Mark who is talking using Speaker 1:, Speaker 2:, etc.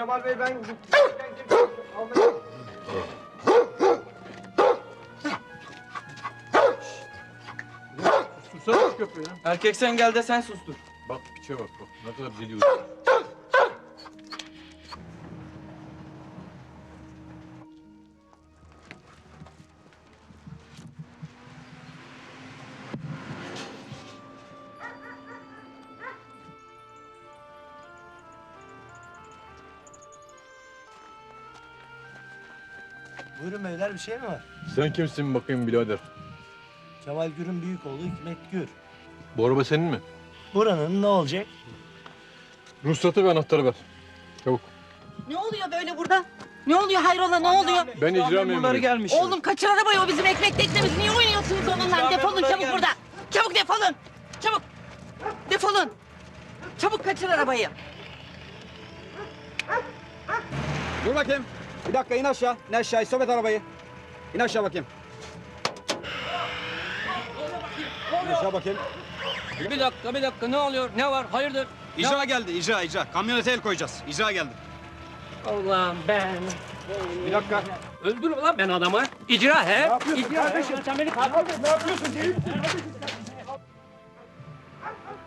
Speaker 1: Kemal Bey ben...
Speaker 2: Sussana şu köpeği ya.
Speaker 1: Erkek sen gel de sen sustur.
Speaker 2: Bak piçe bak. Ne kadar biliyor.
Speaker 3: Buyurun beyler, bir şey mi var?
Speaker 2: Sen kimsin bakayım birader?
Speaker 3: Kemal Gür'ün büyük oğlu Hikmet Gür.
Speaker 2: Bu araba senin mi?
Speaker 3: Buranın ne olacak?
Speaker 2: Ruhsatı ve anahtarı ver. Çabuk.
Speaker 4: Ne oluyor böyle burada? Ne oluyor hayrola ne oluyor?
Speaker 2: Ben icra
Speaker 1: Memurları
Speaker 2: memuruyum.
Speaker 1: gelmiş.
Speaker 4: Oğlum kaçır arabayı, o bizim ekmek teknemiz. Niye oynuyorsunuz onunla?
Speaker 1: Ya
Speaker 4: Defolun
Speaker 1: memurlar
Speaker 4: çabuk
Speaker 1: gelmiş.
Speaker 4: buradan. Çabuk defolun. Çabuk. Defolun. Çabuk kaçır arabayı.
Speaker 5: Dur bakayım. Bir dakika in aşağı. İn aşağı. Stop et arabayı. İn aşağı bakayım. İn aşağı bakayım.
Speaker 6: Bir dakika ne oluyor? Ne var? Hayırdır?
Speaker 5: İcra geldi. İcra. Kamyonete el koyacağız. İcra geldi.
Speaker 6: Allah'ım ben.
Speaker 5: Bir dakika.
Speaker 6: Öldürme lan ben adamı. İcra he.
Speaker 5: Kardeşim.
Speaker 6: Sen beni